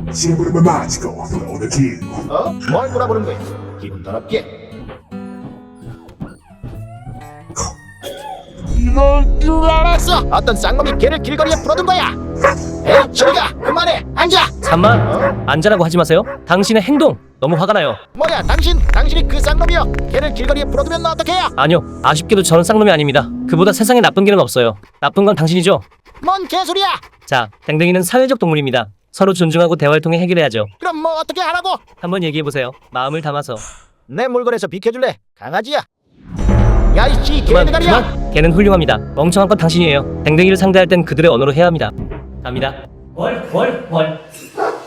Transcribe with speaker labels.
Speaker 1: 심부름은 마치고 돌아오는 길.
Speaker 2: 뭘 돌아보는 거야? 기분 더럽게. 이럴 줄 알았어. 어떤 쌍놈이 개를 길거리에 풀어둔 거야. 에이, 저리가 그만해. 앉아.
Speaker 3: 잠만 앉으라고 하지 마세요. 당신의 행동 너무 화가 나요.
Speaker 2: 뭐야, 당신이 그 쌍놈이여. 개를 길거리에 풀어두면 어떡해요?
Speaker 3: 아니요, 아쉽게도 저는 쌍놈이 아닙니다. 그보다 세상에 나쁜 개는 없어요. 나쁜 건 당신이죠.
Speaker 2: 뭔 개소리야?
Speaker 3: 자, 댕댕이는 사회적 동물입니다. 서로 존중하고 대화를 통해 해결해야죠.
Speaker 2: 그럼 뭐 어떻게 하라고?
Speaker 3: 한번 얘기해보세요. 마음을 담아서.
Speaker 2: 내 물건에서 비켜줄래? 강아지야. 야, 이씨,
Speaker 3: 그만,
Speaker 2: 개대가리야.
Speaker 3: 그만. 개는 훌륭합니다. 멍청한 건 당신이에요. 댕댕이를 상대할 땐 그들의 언어로 해야 합니다. 갑니다. 월.